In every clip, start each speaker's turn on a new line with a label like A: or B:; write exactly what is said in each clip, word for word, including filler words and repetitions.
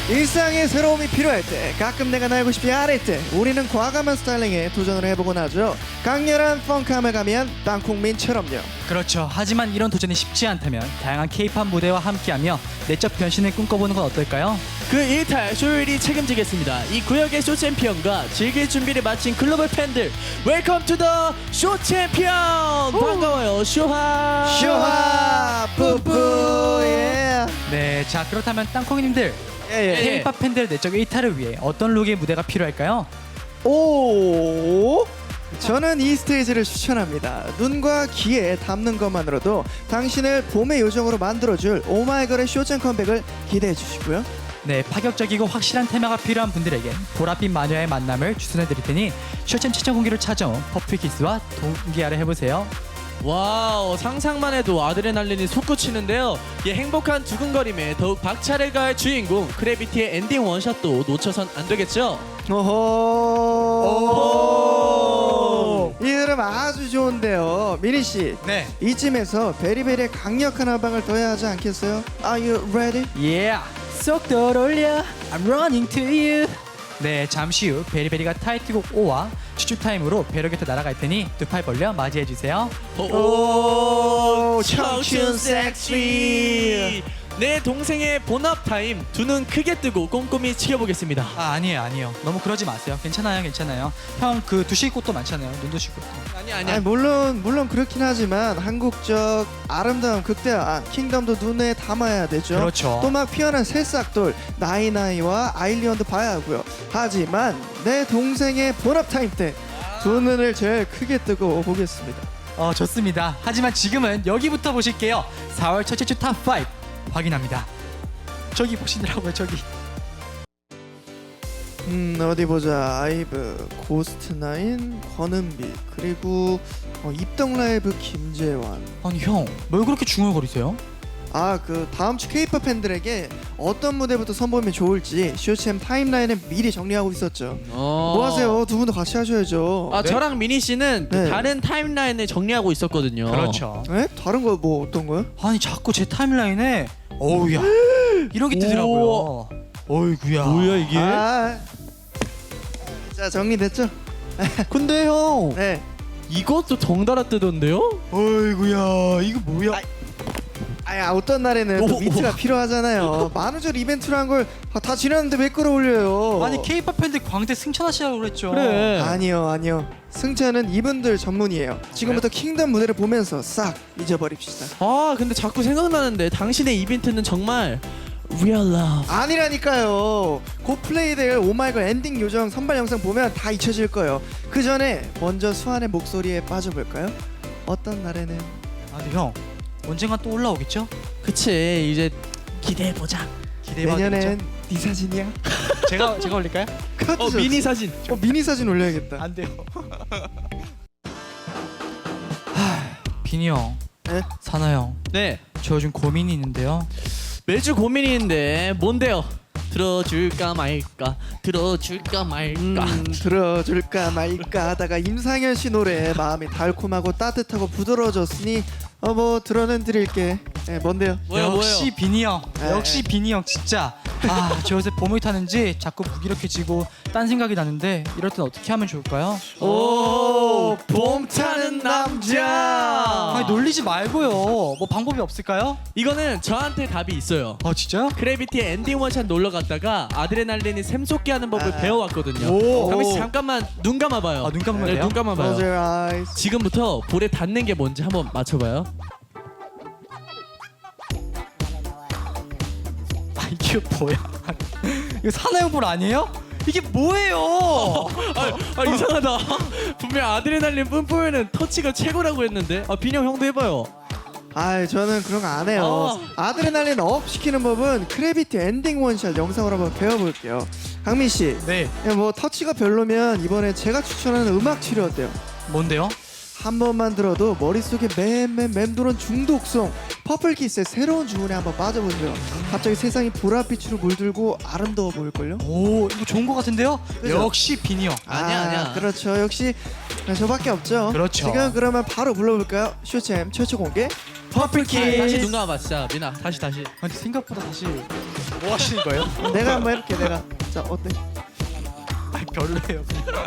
A: 일상의 새로움이 필요할 때, 가끔 내가 날고 싶지 않을 때 우리는 과감한 스타일링에 도전을 해보곤 하죠. 강렬한 펑크함을 가미한 땅콩민처럼요.
B: 그렇죠. 하지만 이런 도전이 쉽지 않다면 다양한 케이팝 무대와 함께하며 내적 변신을 꿈꿔보는 건 어떨까요?
C: 그 일탈 쇼일이 책임지겠습니다. 이 구역의 쇼 챔피언과 즐길 준비를 마친 글로벌 팬들, 웰컴 투 더 쇼 챔피언. 반가워요, 쇼하.
A: 쇼하 뿌뿌 예.
B: 네, 자 그렇다면 땅콩이님들
A: 예, 예.
B: 케이팝 팬들의 내적 일탈을 위해 어떤 룩의 무대가 필요할까요?
A: 오, 저는 이 스테이지를 추천합니다. 눈과 귀에 담는 것만으로도 당신을 봄의 요정으로 만들어줄 오마이걸의 쇼챔 컴백을 기대해 주시고요.
B: 네, 파격적이고 확실한 테마가 필요한 분들에겐 보랏빛 마녀의 만남을 추천해 드릴 테니 쇼챔 최종 공개로 찾아온 퍼플키스와 동기화를 해보세요.
C: 와우, 상상만 해도 아드레날린이 솟구치는데요. 이 행복한 두근거림에 더욱 박차를 가할 주인공 크래비티의 엔딩 원샷도 놓쳐선 안 되겠죠.
A: 오호. 이 흐름 아주 좋은데요. 미니 씨,
B: 네,
A: 이쯤에서 베리베리의 강력한 한방을 더해야 하지 않겠어요? Are you ready?
B: yeah, 속도를 올려, I'm running to you. 네, 잠시 후 베리베리가 타이틀곡 오와 추출 타임으로 배로 곁에 날아갈 테니 두 팔 벌려 맞이해 주세요.
A: 오,
C: 청춘 섹시. 내 동생의 본업 타임, 두 눈 크게 뜨고 꼼꼼히 지켜보겠습니다.
B: 아, 아니에요, 아니에요. 너무 그러지 마세요. 괜찮아요, 괜찮아요. 형 그 두실 곳도 많잖아요. 눈 두실 곳도.
C: 아니
A: 아니,
C: 아니야.
A: 물론 물론 그렇긴 하지만 한국적 아름다운 극대화 킹덤도 눈에 담아야 되죠.
B: 그렇죠.
A: 또 막 피어난 새싹돌 나이나이와 아일리언도 봐야 하고요. 하지만 내 동생의 본업 타임 때 두 눈을 제일 크게 뜨고 보겠습니다.
B: 어, 좋습니다. 하지만 지금은 여기부터 보실게요. 사월 첫째 주 탑 오 확인합니다. 저기 보시더라고요, 저기.
A: 음 어디 보자. 아이브, 고스트나인, 권은비, 그리고 어, 입덕라이브 김재환.
B: 아니 형, 뭘 그렇게 중얼거리세요?
A: 아, 그 다음 주 케이팝 팬들에게 어떤 무대부터 선보이면 좋을지 쇼챔 타임라인에 미리 정리하고 있었죠.
C: 어.
A: 뭐 하세요? 두 분도 같이 하셔야죠.
C: 아,
B: 네?
C: 저랑 미니 씨는 그
A: 네.
C: 다른 타임라인을 정리하고 있었거든요.
B: 그렇죠.
A: 네? 다른 거 뭐 어떤 거요?
B: 아니 자꾸 제 타임라인에 어우야 이런 게 뜨더라고요. 어이구야.
C: 뭐야 이게?
A: 아, 자, 정리됐죠?
C: 근데 형,
A: 네.
C: 이것도 덩달아 뜨던데요?
B: 어이구야, 이거 뭐야?
A: 아이, 아, 어떤 날에는 또
C: 오,
A: 미트가 필요하잖아요. 만우절 이벤트로 한 걸 다 지났는데 왜 끌어올려요?
B: 아니 케이팝 팬들 광대 승천하시라고 그랬죠.
C: 그래.
A: 아니요, 아니요. 승차는 이분들 전문이에요. 지금부터 킹덤 무대를 보면서 싹 잊어버립시다.
C: 아, 근데 자꾸 생각나는데 당신의 이벤트는 정말 real love.
A: 아니라니까요. 곧 플레이될 오마이걸 엔딩 요정 선발 영상 보면 다 잊혀질 거예요. 그 전에 먼저 수환의 목소리에 빠져볼까요? 어떤 날에는.
B: 아니 형, 언젠가 또 올라오겠죠?
C: 그치, 이제 기대해 보자.
B: 기대해봐도
A: 내년엔
B: 되겠죠?
A: 네 사진이야?
B: 제가 제가 올릴까요?
A: 그것도
C: 어,
A: 좋지.
C: 미니 사진.
A: 어, 미니 사진 올려야겠다.
B: 안 돼요. 하, 비니 형,
A: 네?
B: 사나 형,
C: 네.
B: 저 요즘 고민이 있는데요.
C: 매주 고민이 있는데 뭔데요? 들어줄까 말까, 들어줄까 말까.
A: 음, 들어줄까 말까 하다가 임상현 씨 노래에 마음이 달콤하고 따뜻하고 부드러워졌으니 어 뭐 들어는 드릴게. 네, 뭔데요?
C: 뭐요,
B: 역시
C: 뭐요?
B: 비니 형,
A: 에.
B: 역시 비니 형 진짜. 아, 저 요새 봄을 타는지 자꾸 무기력해지고 딴 생각이 나는데 이럴 땐 어떻게 하면 좋을까요?
C: 오, 봄 타는 남자.
B: 아니 놀리지 말고요. 뭐 방법이 없을까요?
C: 이거는 저한테 답이 있어요.
B: 아 진짜요?
C: 크래비티의 엔딩 원샷 놀러 갔다가 아드레날린이 샘솟게 하는 법을
A: 아.
C: 배워왔거든요.
A: 오.
C: 강민 씨 잠깐만 눈 감아봐요.
B: 아, 눈 감으면
C: 네,
B: 돼요?
C: 눈 감아봐요.
A: Close your eyes.
C: 지금부터 볼에 닿는 게 뭔지 한번 맞춰봐요.
B: 아 이게 뭐야? 이거 사나이볼 아니에요? 이게 뭐예요?
C: 아, 아 이상하다. 분명 아드레날린 뿜뿜에는 터치가 최고라고 했는데. 아, 빈형 형도 해봐요.
A: 아, 저는 그런 거 안 해요. 아드레날린 업 시키는 법은 크래비티 엔딩 원샷 영상으로 한번 배워볼게요. 강민 씨,
B: 네,
A: 예, 뭐 터치가 별로면 이번에 제가 추천하는 음악 치료 어때요?
B: 뭔데요?
A: 한 번만 들어도 머릿속에 맴맴 맴도는 중독성 퍼플키스의 새로운 주문에 한번 빠져보세요. 갑자기 세상이 보랏빛으로 물들고 아름다워 보일걸요?
B: 오, 이거 좋은 거 같은데요?
A: 그죠?
B: 역시 비니 형.
C: 아니야, 아니야.
A: 그렇죠. 역시 저밖에 없죠.
B: 그렇죠.
A: 지금 그러면 바로 불러볼까요? 쇼챔 최초 공개
C: 아, 다시 눈 감아봐 진짜. 민아 다시 다시.
B: 아니 생각보다 다시 뭐 하시는 거예요?
A: 내가 한번 해볼게. 내가. 자 어때?
B: 아, 별로예요.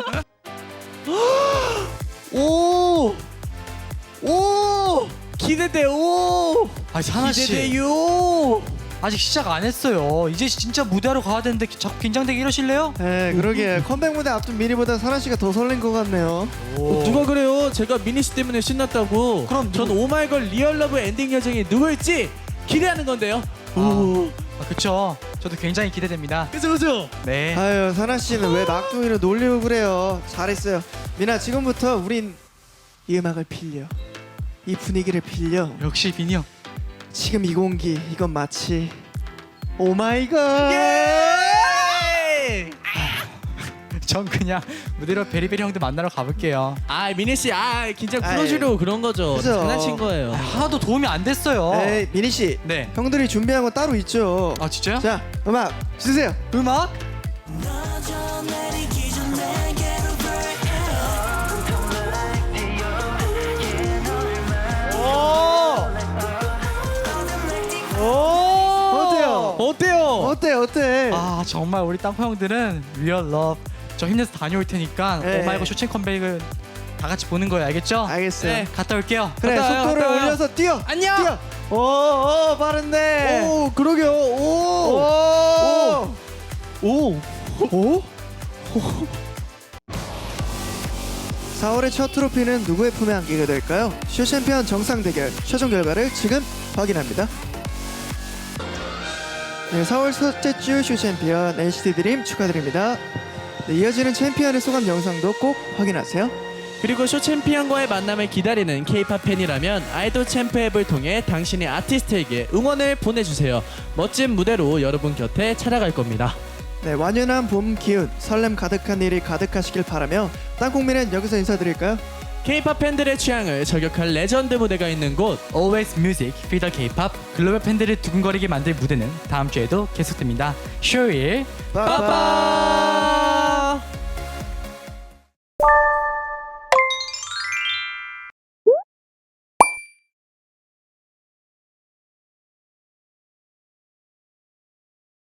C: 오! 오! 기대돼. 오!
B: 아, 사나 씨
C: 기대돼요.
B: 아직 시작 안 했어요. 이제 진짜 무대하러 가야 되는데 자꾸 긴장되게 이러실래요?
A: 네, 그러게 컴백 무대 앞둔 미니보다 사나 씨가 더 설렌 것 같네요.
C: 어, 누가 그래요? 제가 미니 씨 때문에 신났다고.
B: 그럼
C: 전
B: 누구-
C: 오마이걸 리얼 러브 엔딩 여정이 누굴지 기대하는 건데요. 오.
B: 아, 그쵸. 저도 굉장히 기대됩니다.
C: 그죠 그죠?
B: 네.
A: 아유 사나 씨는 왜 막둥이로 놀리고 그래요? 잘했어요. 미나 지금부터 우린 이 음악을 빌려, 이 분위기를 빌려.
B: 역시 비니 형.
A: 지금 이 공기 이건 마치 오마이걸.
C: 예!
B: 전 그냥 무대로 베리베리 형들 만나러 가볼게요.
C: 아 미니 씨, 아 긴장
A: 아이,
C: 풀어주려고 그런 거죠.
A: 그죠.
C: 장난친 거예요.
B: 하나도 도움이 안 됐어요.
A: 에이 미니 씨,
B: 네.
A: 형들이 준비한 거 따로 있죠.
B: 아, 진짜요?
A: 자 음악 주세요.
B: 음악?
A: 어때요?
C: 어때요?
A: 어때 어때?
B: 아, 정말 우리 땅콩 형들은 리얼 러브. 저 힘내서 다녀올 테니까
A: 네.
B: 오마이걸 쇼챔 컴백은 다 같이 보는 거예요. 알겠죠?
A: 알겠어요.
B: 네, 갔다 올게요.
A: 그래
C: 갔다 와요,
A: 속도를
C: 갔다 와요.
A: 올려서 뛰어.
C: 안녕.
A: 뛰어. 오오 빠른데.
C: 오 그러게요. 오.
A: 오.
C: 오.
A: 오? 사월의 첫 트로피는 누구의 품에 안기게 될까요? 쇼 챔피언 정상 대결 최종 결과를 지금 확인합니다. 네, 사월 첫째 주 쇼 챔피언 엔시티 드림 축하드립니다. 네, 이어지는 챔피언의 소감 영상도 꼭 확인하세요.
C: 그리고 쇼 챔피언과의 만남을 기다리는 K-팝 팬이라면 아이돌 챔프 앱을 통해 당신의 아티스트에게 응원을 보내주세요. 멋진 무대로 여러분 곁에 찾아갈 겁니다.
A: 네, 완연한 봄 기운, 설렘 가득한 일이 가득하시길 바라며 땅콩민은 여기서 인사드릴까요?
C: K-팝 팬들의 취향을 저격할 레전드 무대가 있는 곳
B: Always Music, Feel the K-pop 글로벌 팬들을 두근거리게 만들 무대는 다음 주에도 계속됩니다. 쇼일
A: 빠빠.